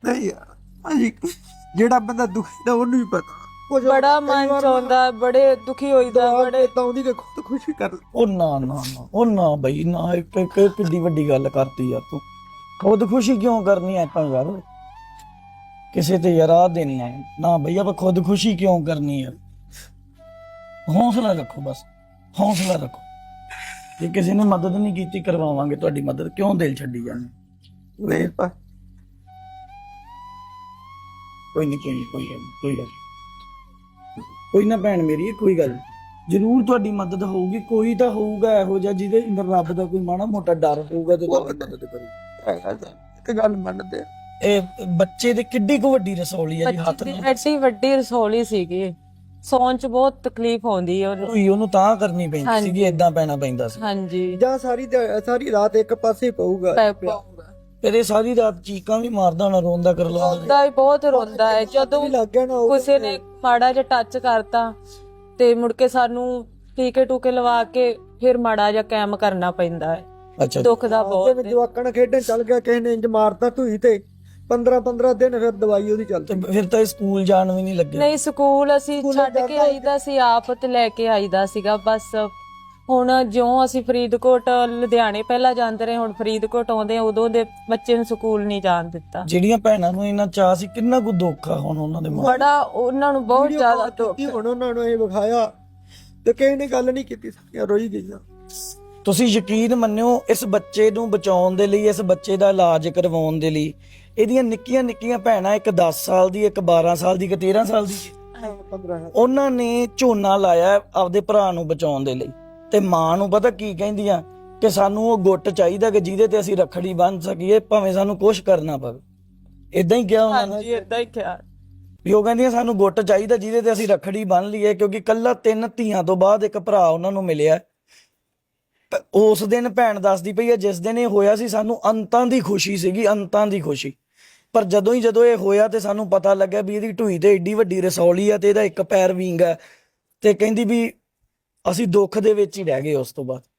ਨਹੀਂ ਯਾਰ ਭਾਜੀ, ਜਿਹੜਾ ਬੰਦਾ ਦੁਖੀ ਦਾ ਉਹਨੂੰ ਹੀ ਪਤਾ। ਬੜਾ ਮਨ ਚਾਹੁੰਦਾ, ਬੜੇ ਦੁਖੀ ਹੋਈਦਾ, ਬੜੇ ਤਾਂ ਉਹਦੀ ਤੇ ਖੁਦ ਖੁਸ਼ੀ ਕਰ। ਉਹ ਨਾ ਬਈ ਨਾ, ਇੱਕ ਕਿੱਡੀ ਵੱਡੀ ਗੱਲ ਕਰਤੀ ਯਾਰ ਤੂੰ। ਖੁਦ ਖੁਸ਼ੀ ਕਿਉਂ ਕਰਨੀ ਐ ਆਪਾਂ ਯਾਰ, ਕਿਸੇ ਤੇ ਯਾਰ ਦੇਣੀ ਹੈ ਨਾ ਬਈ, ਆਪਾਂ ਖੁਦ ਖੁਸ਼ੀ ਕਿਉਂ ਕਰਨੀ ਹੈ। ਹੌਸਲਾ ਰੱਖੋ, ਬਸ ਹੌਸਲਾ ਰੱਖੋ। ਜੇ ਕਿਸੇ ਨੇ ਮਦਦ ਨਹੀਂ ਕੀਤੀ, ਕਰਵਾਵਾਂਗੇ ਤੁਹਾਡੀ ਮਦਦ, ਕਿਉਂ ਦਿਲ ਛੱਡੀ ਜਾਂਦੇ। ਨਹੀਂ ਪਾ ਕੋਈ ਨਹੀਂ ਕੋਈ ਨਾ ਭੈਣ ਮੇਰੀ, ਕੋਈ ਗੱਲ ਜ਼ਰੂਰ ਤੁਹਾਡੀ ਮਦਦ ਹੋਊਗੀ। ਕੋਈ ਤਾਂ ਹੋਊਗਾ ਇਹੋ ਜਿਹਾ ਜਿਹਦੇ ਅੰਦਰ ਰੱਬ ਦਾ ਕੋਈ ਮਾੜਾ ਮੋਟਾ ਡਰ ਹੋਊਗਾ ਤੇ ਤੁਹਾਡੀ ਮਦਦ ਕਰੂ। ਤੇ ਗੱਲ ਮੰਨਦੇ ਆ। ਇਹ ਬੱਚੇ ਦੇ ਕਿੱਡੀ ਕੁ ਵੱਡੀ ਰਸੌਲੀ ਹੈ ਜੀ, ਹੱਥ ਬੱਚੇ ਨਾਲ ਦੀ ਐਡੀ ਵੱਡੀ ਰਸੌਲੀ ਸੀਗੀ, ਸੌਣ ਚ ਬਹੁਤ ਤਕਲੀਫ ਆਉਂਦੀ ਹੈ ਉਹਨੂੰ ਤਾਂ ਕਰਨੀ ਪੈਂਦੀ ਸੀਗੀ, ਏਦਾਂ ਪੈਣਾ ਪੈਂਦਾ ਸੀ। ਹਾਂਜੀ, ਜਾਂ ਸਾਰੀ ਰਾਤ ਇੱਕ ਪਾਸੇ ਪਊਗਾ। ਫਿਰ ਇਹ ਸਾਰੀ ਰਾਤ ਚੀਕਾਂ ਵੀ ਮਾਰਦਾ ਹੋਣਾ, ਰੋਂਦਾ ਕਰ ਲਾਉਂਦਾ। ਰੋਂਦਾ ਹੀ ਬਹੁਤ ਰੋਂਦਾ ਹੈ। ਜਦੋਂ ਲੱਗ ਗਿਆ ਨਾ ਕਿਸੇ ਨੇ ਮਾੜਾ ਜਿਹਾ ਟੱਚ ਕਰਤਾ ਤੇ ਮੁੜ ਕੇ ਸਾਨੂੰ ਟੀਕੇ ਟੂਕੇ ਲਵਾ ਕੇ ਫਿਰ ਮਾੜਾ ਜਿਹਾ ਕੈਮ ਕਰਨਾ ਪੈਂਦਾ ਹੈ। ਅੱਛਾ, ਦੁੱਖ ਦਾ ਬਹੁਤ ਜਿਵੇਂ ਜਵਾਕਾਂ ਨਾਲ ਖੇਡਣ ਚੱਲ ਗਿਆ, ਕਿਸੇ ਨੇ ਇੰਜ ਮਾਰਤਾ ਧੂਈ ਤੇ 15 ਦਿਨ ਫਿਰ ਦਵਾਈ ਉਹਦੀ ਚੱਲਦੀ। ਤੇ ਫਿਰ ਤਾਂ ਇਹ ਸਕੂਲ ਜਾਣ ਵੀ ਨਹੀਂ ਲੱਗਿਆ। ਨਹੀਂ, ਸਕੂਲ ਅਸੀਂ ਛੱਡ ਕੇ ਆਈਦਾ ਸੀ, ਆਪ ਤੇ ਲੈ ਕੇ ਆਈਦਾ ਸੀਗਾ ਬਸ। ਹੁਣ ਜਿਉਂ ਅਸੀਂ ਫਰੀਦਕੋਟ ਲੁਧਿਆਣੇ ਪਹਿਲਾਂ ਜਾਂਦੇ ਰਹੇ, ਹੁਣ ਫਰੀਦਕੋਟ ਆਉਂਦੇ ਆ, ਉਦੋਂ ਦੇ ਬੱਚੇ ਨੂੰ ਸਕੂਲ ਨਹੀਂ ਜਾਣ ਦਿੱਤਾ। ਜਿਹੜੀਆਂ ਭੈਣਾਂ ਨੂੰ ਇੰਨਾ ਚਾਅ ਸੀ, ਕਿੰਨਾ ਕੁ ਦੁੱਖ ਆ ਹੁਣ ਉਹਨਾਂ ਦੇ ਮਾਂ। ਬੜਾ ਉਹਨਾਂ ਨੂੰ ਬਹੁਤ ਜ਼ਿਆਦਾ ਦੁੱਖ। ਹੁਣ ਉਹਨਾਂ ਨੂੰ ਇਹ ਵਿਖਾਇਆ ਤੇ ਕਿਸੇ ਨੇ ਗੱਲ ਨਹੀਂ ਕੀਤੀ, ਸਾਰੀਆਂ ਰੋਈ ਗਈਆਂ। ਤੁਸੀਂ ਯਕੀਨ ਮੰਨਿਓ, ਇਸ ਬੱਚੇ ਨੂੰ ਬਚਾਉਣ ਦੇ ਲਈ, ਇਸ ਬੱਚੇ ਦਾ ਇਲਾਜ ਕਰਵਾਉਣ ਦੇ ਲਈ, ਇਹਦੀਆਂ ਨਿੱਕੀਆਂ ਨਿੱਕੀਆਂ ਭੈਣਾਂ, ਇੱਕ 10 ਸਾਲ ਦੀ, ਇੱਕ 12 ਸਾਲ ਦੀ, ਇੱਕ 13 ਸਾਲ ਦੀ, 15 ਉਹਨਾਂ ਨੇ ਝੋਨਾ ਲਾਇਆ ਆਪਦੇ ਭਰਾ ਨੂੰ ਬਚਾਉਣ ਦੇ ਲਈ। ਤੇ ਮਾਂ ਨੂੰ ਪਤਾ ਕੀ ਕਹਿੰਦੀਆਂ ਕਿ ਸਾਨੂੰ ਉਹ ਗੁੱਟ ਚਾਹੀਦਾ ਕਿ ਜਿਹਦੇ ਤੇ ਅਸੀਂ ਰੱਖੜੀ ਬੰਨ੍ਹ ਸਕੀਏ, ਭਾਵੇਂ ਸਾਨੂੰ ਕੁਛ ਕਰਨਾ ਪਵੇ। ਇਦਾਂ ਹੀ ਕਿਹਾ ਉਹਨਾਂ ਨੇ, ਹਾਂਜੀ, ਏਦਾਂ ਹੀ ਕਿਹਾ। ਵੀ ਉਹ ਕਹਿੰਦੀਆਂ ਸਾਨੂੰ ਗੁੱਟ ਚਾਹੀਦਾ ਜਿਹਦੇ ਤੇ ਅਸੀਂ ਰੱਖੜੀ ਬੰਨ੍ਹ ਲਈਏ, ਕਿਉਂਕਿ ਕੱਲਾ 3 ਧੀਆਂ ਤੋਂ ਬਾਅਦ ਇੱਕ ਭਰਾ ਉਹਨਾਂ ਨੂੰ ਮਿਲਿਆ। ਉਸ ਦਿਨ ਭੈਣ ਦੱਸਦੀ ਪਈ ਹੈ, ਜਿਸ ਦਿਨ ਇਹ ਹੋਇਆ ਸੀ, ਸਾਨੂੰ ਅੰਤਾਂ ਦੀ ਖੁਸ਼ੀ ਸੀਗੀ, ਅੰਤਾਂ ਦੀ ਖੁਸ਼ੀ। ਪਰ ਜਦੋਂ ਇਹ ਹੋਇਆ ਤੇ ਸਾਨੂੰ ਪਤਾ ਲੱਗਿਆ ਵੀ ਇਹਦੀ ਢੂਈ ਤੇ ਏਡੀ ਵੱਡੀ ਰਸੌਲੀ ਆ ਤੇ ਇਹਦਾ ਇੱਕ ਪੈਰ ਵਿੰਗ ਆ, ਤੇ ਕਹਿੰਦੀ ਵੀ ਅਸੀਂ ਦੁੱਖ ਦੇ ਵਿੱਚ ਹੀ ਰਹਿ ਗਏ। ਉਸ ਤੋਂ ਬਾਅਦ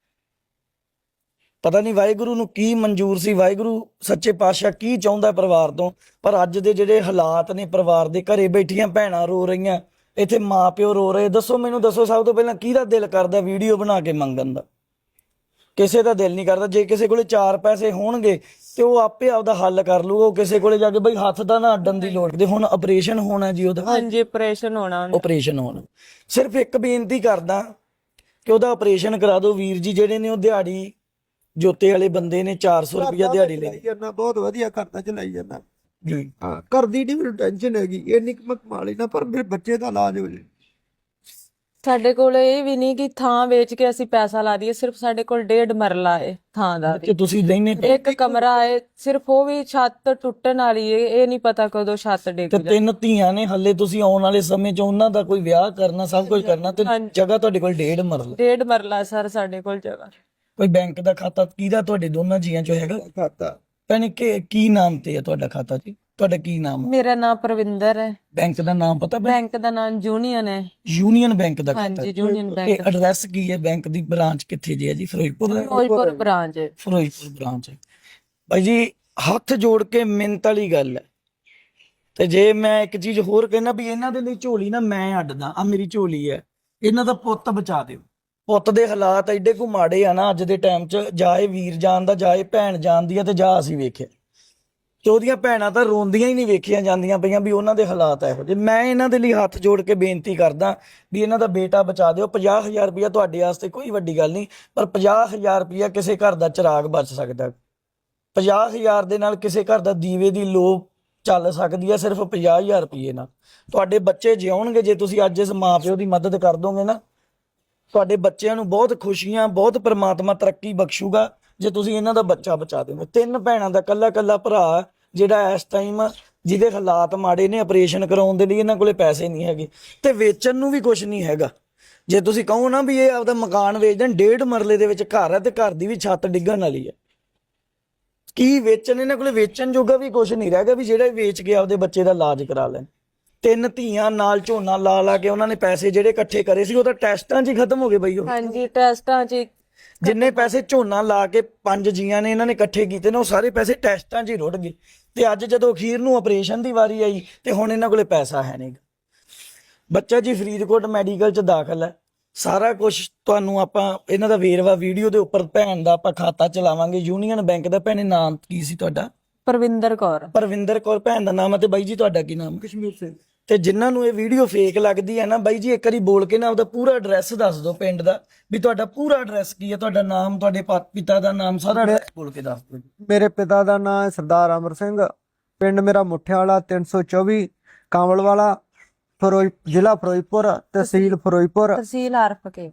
ਪਤਾ ਨਹੀਂ ਵਾਹਿਗੁਰੂ ਨੂੰ ਕੀ ਮਨਜ਼ੂਰ ਸੀ, ਵਾਹਿਗੁਰੂ ਸੱਚੇ ਪਾਤਸ਼ਾਹ ਕੀ ਚਾਹੁੰਦਾ ਪਰਿਵਾਰ ਤੋਂ। ਪਰ ਅੱਜ ਦੇ ਜਿਹੜੇ ਹਾਲਾਤ ਨੇ ਪਰਿਵਾਰ ਦੇ, ਘਰੇ ਬੈਠੀਆਂ ਭੈਣਾਂ ਰੋ ਰਹੀਆਂ, ਇੱਥੇ ਮਾਂ ਪਿਓ ਰੋ ਰਹੇ। ਦੱਸੋ ਮੈਨੂੰ, ਦੱਸੋ ਸਭ ਤੋਂ ਪਹਿਲਾਂ ਕਿਹਦਾ ਦਿਲ ਕਰਦਾ ਵੀਡੀਓ ਬਣਾ ਕੇ ਮੰਗਣ ਦਾ? ਕਿਸੇ ਦਾ ਦਿਲ ਨਹੀਂ ਕਰਦਾ। ਜੇ ਕਿਸੇ ਕੋਲੇ 4 ਪੈਸੇ ਹੋਣਗੇ ਤੇ ਉਹ ਆਪੇ ਆਪਦਾ ਹੱਲ ਕਰ ਲੂਗਾ। ਉਹ ਕਿਸੇ ਕੋਲੇ ਜਾ ਕੇ ਬਈ ਹੱਥ ਦਾ ਨਾ ਅੱਡਣ ਦੀ ਲੋੜ। ਤੇ ਹੁਣ ਆਪਰੇਸ਼ਨ ਹੋਣਾ ਜੀ ਉਹਦਾ, ਹਾਂਜੀ, ਆਪਰੇਸ਼ਨ ਹੋਣਾ। ਸਿਰਫ ਇੱਕ ਬੇਨਤੀ ਕਰਦਾ ਕਿ ਉਹਦਾ ਆਪਰੇਸ਼ਨ ਕਰਾ ਦਿਓ ਵੀਰ ਜੀ। ਜਿਹੜੇ ਨੇ ਉਹ ਦਿਹਾੜੀ ਜੋਤੇ ਵਾਲੇ ਬੰਦੇ ਨੇ, 400 ਰੁਪਇਆ ਦਿਹਾੜੀ ਲਈ ਜਾਂਦਾ, ਬਹੁਤ ਵਧੀਆ ਕਰਦਾ, ਚਲਾਈ ਜਾਂਦਾ ਜੀ। ਹਾਂ, ਕਰਦੀ ਨਹੀਂ ਮੈਨੂੰ ਟੈਨਸ਼ਨ ਹੈਗੀ, ਇੰਨੀ ਕੁ ਮੈਂ ਕਮਾ ਲੈਣਾ, ਪਰ ਮੇਰੇ ਬੱਚੇ ਦਾ ਇਲਾਜ ਹੋ ਜਾਏ। ਸਾਡੇ ਕੋਲ ਇਹ ਵੀ ਨਹੀਂ ਕਿ ਥਾਂ ਵੇਚ ਕੇ ਅਸੀਂ ਪੈਸਾ ਲਾ ਦਈਏ। ਸਿਰਫ ਸਾਡੇ ਕੋਲ 1.5 ਮਰਲਾ ਹੈ ਥਾਂ ਦਾ, ਕਿ ਤੁਸੀਂ ਰਹਿੰਦੇ ਇੱਕ ਕਮਰਾ ਹੈ ਸਿਰਫ, ਉਹ ਵੀ ਛੱਤ ਟੁੱਟਣ ਵਾਲੀ ਹੈ, ਇਹ ਨਹੀਂ ਪਤਾ ਕਦੋਂ ਛੱਤ ਡਿੱਗ ਤੇ ਜਾਏ। 3 ਧੀਆਂ ਨੇ ਹੱਲੇ, ਤੁਸੀਂ ਆਉਣ ਵਾਲੇ ਸਮੇਂ 'ਚ ਉਹਨਾਂ ਦਾ ਕੋਈ ਵਿਆਹ ਕਰਨਾ, ਸਭ ਕੁਝ ਕਰਨਾ, ਤੇ ਜਗ੍ਹਾ ਤੁਹਾਡੇ ਕੋਲ 1.5 ਮਰਲਾ। 1.5 ਮਰਲਾ ਸਰ ਸਾਡੇ ਕੋਲ ਜਗ੍ਹਾ। ਕੋਈ ਬੈਂਕ ਦਾ ਖਾਤਾ ਕਿਹਦਾ ਤੁਹਾਡੇ ਦੋਨਾਂ ਜੀਆਂ 'ਚੋਂ ਹੈਗਾ ਖਾਤਾ? ਭੈਣੇ ਕੀ ਨਾਮ ਤੇ ਹੈ ਤੁਹਾਡਾ ਖਾਤਾ ਜੀ? ਤੁਹਾਡਾ ਕੀ ਨਾਮ ਹੈ? ਮੇਰਾ ਨਾਮ ਪ੍ਰਵਿੰਦਰ ਹੈ। ਬੈਂਕ ਦਾ ਨਾਮ ਪਤਾ? ਬੈਂਕ ਦਾ ਨਾਮ ਯੂਨੀਅਨ ਹੈ। ਯੂਨੀਅਨ ਬੈਂਕ ਦਾ ਖਾਤਾ? ਹਾਂਜੀ, ਯੂਨੀਅਨ ਬੈਂਕ। ਇਹ ਐਡਰੈਸ ਕੀ ਹੈ ਬੈਂਕ ਦੀ? ਬ੍ਰਾਂਚ ਕਿੱਥੇ ਜੀ ਹੈ ਜੀ? ਫਿਰੋਜ਼ਪੁਰ ਬ੍ਰਾਂਚ ਹੈ। ਫਿਰੋਜ਼ਪੁਰ ਬ੍ਰਾਂਚ ਹੈ। ਭਾਈ ਜੀ, ਹੱਥ ਜੋੜ ਕੇ ਮਿੰਨਤ ਵਾਲੀ ਗੱਲ ਹੈ। ਤੇ ਜੇ ਮੈਂ ਇੱਕ ਚੀਜ਼ ਹੋਰ ਕਹਿਣਾ ਵੀ ਇਹਨਾਂ ਦੇ ਲਈ ਝੋਲੀ ਨਾ ਮੈਂ ਅੱਡਦਾ, ਆ ਮੇਰੀ ਝੋਲੀ ਹੈ, ਇਹਨਾਂ ਦਾ ਪੁੱਤ ਬਚਾ ਦਿਓ। ਪੁੱਤ ਦੇ ਹਾਲਾਤ ਐਡੇ ਕੁ ਮਾੜੇ ਆ ਨਾ ਅੱਜ ਦੇ ਟਾਈਮ 'ਚ, ਜਾਏ ਵੀਰ ਜਾਣਦਾ, ਜਾਏ ਭੈਣ ਜਾਣਦੀ ਆ, ਤੇ ਜਾ ਅਸੀਂ ਵੇਖਿਆ ਤੇ ਉਹਦੀਆਂ ਭੈਣਾਂ ਤਾਂ ਰੋਂਦੀਆਂ ਹੀ ਨਹੀਂ ਵੇਖੀਆਂ ਜਾਂਦੀਆਂ ਪਈਆਂ ਵੀ ਉਹਨਾਂ ਦੇ ਹਾਲਾਤ ਇਹੋ ਜਿਹੇ। ਮੈਂ ਇਹਨਾਂ ਦੇ ਲਈ ਹੱਥ ਜੋੜ ਕੇ ਬੇਨਤੀ ਕਰਦਾ ਵੀ ਇਹਨਾਂ ਦਾ ਬੇਟਾ ਬਚਾ ਦਿਓ। 50,000 ਰੁਪਇਆ ਤੁਹਾਡੇ ਵਾਸਤੇ ਕੋਈ ਵੱਡੀ ਗੱਲ ਨਹੀਂ, ਪਰ 50,000 ਰੁਪਇਆ ਕਿਸੇ ਘਰ ਦਾ ਚਿਰਾਗ ਬਚ ਸਕਦਾ। 50,000 ਦੇ ਨਾਲ ਕਿਸੇ ਘਰ ਦਾ ਦੀਵੇ ਦੀ ਲੋ ਚੱਲ ਸਕਦੀ ਹੈ, ਸਿਰਫ 50,000 ਰੁਪਏ ਨਾਲ। ਤੁਹਾਡੇ ਬੱਚੇ ਜਿਉਣਗੇ ਜੇ ਤੁਸੀਂ ਅੱਜ ਇਸ ਮਾਂ ਪਿਓ ਦੀ ਮਦਦ ਕਰ ਦੋਗੇ ਨਾ। ਤੁਹਾਡੇ ਬੱਚਿਆਂ ਨੂੰ ਬਹੁਤ ਖੁਸ਼ੀਆਂ, ਬਹੁਤ ਪ੍ਰਮਾਤਮਾ ਤਰੱਕੀ ਬਖਸ਼ੂਗਾ ਜੇ ਤੁਸੀਂ ਇਹਨਾਂ ਦਾ ਬੱਚਾ ਬਚਾ ਦਿਓ। 3 ਭੈਣਾਂ ਦਾ ਕੱਲਾ ਭਰਾ ਜਿਹੜਾ ਇਸ ਟਾਈਮ ਜਿਹਦੇ ਹਾਲਾਤ ਮਾੜੇ ਨੇ, ਆਪਰੇਸ਼ਨ ਕਰਾਉਣ ਦੇ ਲਈ ਇਹਨਾਂ ਕੋਲੇ ਪੈਸੇ ਨਹੀਂ ਹੈਗੇ, ਤੇ ਵੇਚਣ ਨੂੰ ਵੀ ਕੁਝ ਨਹੀਂ ਹੈਗਾ। ਜੇ ਤੁਸੀਂ ਕਹੋ ਨਾ ਵੀ ਇਹ ਆਪਦਾ ਮਕਾਨ ਵੇਚ ਦੇਣ, 1.5 ਮਰਲੇ ਦੇ ਵਿੱਚ ਘਰ ਹੈ ਤੇ ਘਰ ਦੀ ਵੀ ਛੱਤ ਡਿੱਗਣ ਵਾਲੀ ਹੈ, ਕੀ ਵੇਚਣ? ਇਹਨਾਂ ਕੋਲੇ ਵੇਚਣ ਜੋਗਾ ਵੀ ਕੁਝ ਨਹੀਂ ਰਹਿ ਗਿਆ ਵੀ ਜਿਹੜਾ ਵੇਚ ਕੇ ਆਪਦੇ ਬੱਚੇ ਦਾ ਇਲਾਜ ਕਰਾ ਲੈਣ। 3 ਧੀਆਂ ਨਾਲ ਝੋਨਾ ਲਾ ਕੇ ਉਹਨਾਂ ਨੇ ਪੈਸੇ ਜਿਹੜੇ ਇਕੱਠੇ ਕਰੇ ਸੀ ਉਹ ਤਾਂ ਟੈਸਟਾਂ 'ਚ ਹੀ ਖਤਮ ਹੋ ਗਏ ਬਈ। ਉਹ ਹਾਂਜੀ, ਟੈਸਟਾਂ 'ਚ ਜਿੰਨੇ ਪੈਸੇ ਝੋਨਾ ਲਾ ਕੇ 5 ਜੀਆਂ ਨੇ ਇਹਨਾਂ ਨੇ ਇਕੱਠੇ ਕੀਤੇ ਨੇ, ਉਹ ਸਾਰੇ ਪੈਸੇ ਟੈਸਟਾਂ 'ਚ ਹੀ ਰੁੜ ਗਏ। ਤੇ ਅੱਜ ਜਦੋਂ ਅਖੀਰ ਨੂੰ ਆਪਰੇਸ਼ਨ ਦੀ ਵਾਰੀ ਆਈ ਤੇ ਹੁਣ ਇਹਨਾਂ ਕੋਲੇ ਪੈਸਾ ਹੈ ਨਹੀਂ। ਬੱਚਾ ਜੀ ਫਰੀਦਕੋਟ ਮੈਡੀਕਲ 'ਚ ਦਾਖਲ ਹੈ। ਸਾਰਾ ਕੁਝ ਤੁਹਾਨੂੰ ਆਪਾਂ ਇਹਨਾਂ ਦਾ ਵੇਰਵਾ ਵੀਡੀਓ ਦੇ ਉੱਪਰ, ਭੈਣ ਦਾ ਆਪਾਂ ਖਾਤਾ ਚਲਾਵਾਂਗੇ ਯੂਨੀਅਨ ਬੈਂਕ ਦਾ। ਭੈਣੇ ਨਾਮ ਕੀ ਸੀ ਤੁਹਾਡਾ? ਪਰਵਿੰਦਰ ਕੌਰ। ਪਰਵਿੰਦਰ ਕੌਰ ਭੈਣ ਦਾ ਨਾਮ ਹੈ। ਤੇ ਬਾਈ ਜੀ ਤੁਹਾਡਾ ਕੀ ਨਾਮ? ਕਸ਼ਮੀਰ ਸਿੰਘ। ਤੇ ਜਿਨ੍ਹਾਂ ਨੂੰ ਇਹ ਵੀਡੀਓ ਫੇਕ ਲੱਗਦੀ ਹੈ ਨਾ ਬਾਈ ਜੀ, ਇੱਕ ਵਾਰੀ ਬੋਲ ਕੇ ਨਾ ਆਪਦਾ ਪੂਰਾ ਐਡਰੈਸ ਦੱਸ ਦਿਓ ਪਿੰਡ ਦਾ, ਵੀ ਤੁਹਾਡਾ ਪੂਰਾ ਐਡਰੈਸ ਕੀ ਹੈ, ਤੁਹਾਡਾ ਨਾਮ, ਤੁਹਾਡੇ ਪਿਤਾ ਦਾ ਨਾਮ, ਸਾਰਾ ਐਡਰੈਸ ਬੋਲ ਕੇ ਦੱਸ ਦਿਓ। ਮੇਰੇ ਪਿਤਾ ਦਾ ਨਾਮ ਹੈ ਸਰਦਾਰ ਅਮਰ ਸਿੰਘ, ਪਿੰਡ ਮੇਰਾ ਮੁੱਠਿਆਲਾ 324 ਕਾਂਵਲਵਾਲਾ, ਜ਼ਿਲ੍ਹਾ ਫਿਰੋਜ਼ਪੁਰ, ਤਹਿਸੀਲ ਫਿਰੋਜ਼ਪੁਰ, ਤਹਿਸੀਲ ਆਰਫਕੇ।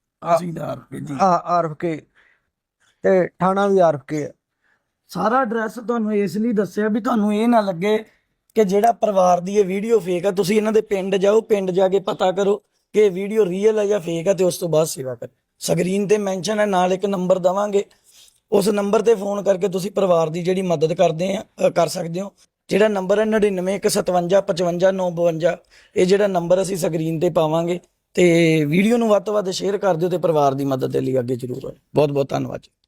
ਆਰਫਕੇ ਤੇ ਥਾਣਾ ਵੀ ਆਰਫਕੇ ਹੈ। ਸਾਰਾ ਐਡਰੈਸ ਤੁਹਾਨੂੰ ਇਸ ਲਈ ਦੱਸਿਆ ਵੀ ਤੁਹਾਨੂੰ ਇਹ ਨਾ ਲੱਗੇ ਕਿ ਜਿਹੜਾ ਪਰਿਵਾਰ ਦੀ ਇਹ ਵੀਡੀਓ ਫੇਕ ਆ। ਤੁਸੀਂ ਇਹਨਾਂ ਦੇ ਪਿੰਡ ਜਾਓ, ਪਿੰਡ ਜਾ ਕੇ ਪਤਾ ਕਰੋ ਕਿ ਇਹ ਵੀਡੀਓ ਰੀਅਲ ਹੈ ਜਾਂ ਫੇਕ ਹੈ, ਤੇ ਉਸ ਤੋਂ ਬਾਅਦ ਸੇਵਾ ਕਰੋ। ਸਕਰੀਨ ਤੇ ਮੈਂਸ਼ਨ ਹੈ, ਨਾਲ ਇੱਕ ਨੰਬਰ ਦਵਾਂਗੇ, ਉਸ ਨੰਬਰ ਤੇ ਫੋਨ ਕਰਕੇ ਤੁਸੀਂ ਪਰਿਵਾਰ ਦੀ ਜਿਹੜੀ ਮਦਦ ਕਰ ਸਕਦੇ ਹੋ। ਜਿਹੜਾ ਨੰਬਰ ਹੈ 9915555952, ਇਹ ਜਿਹੜਾ ਨੰਬਰ ਅਸੀਂ ਸਕਰੀਨ ਤੇ ਪਾਵਾਂਗੇ। ਤੇ ਵੀਡੀਓ ਨੂੰ ਵੱਧ ਤੋਂ ਵੱਧ ਸ਼ੇਅਰ ਕਰ ਦਿਓ ਤੇ ਪਰਿਵਾਰ ਦੀ ਮਦਦ ਦੇ ਲਈ ਅੱਗੇ ਜ਼ਰੂਰ ਆਓ। ਬਹੁਤ ਬਹੁਤ ਧੰਨਵਾਦ।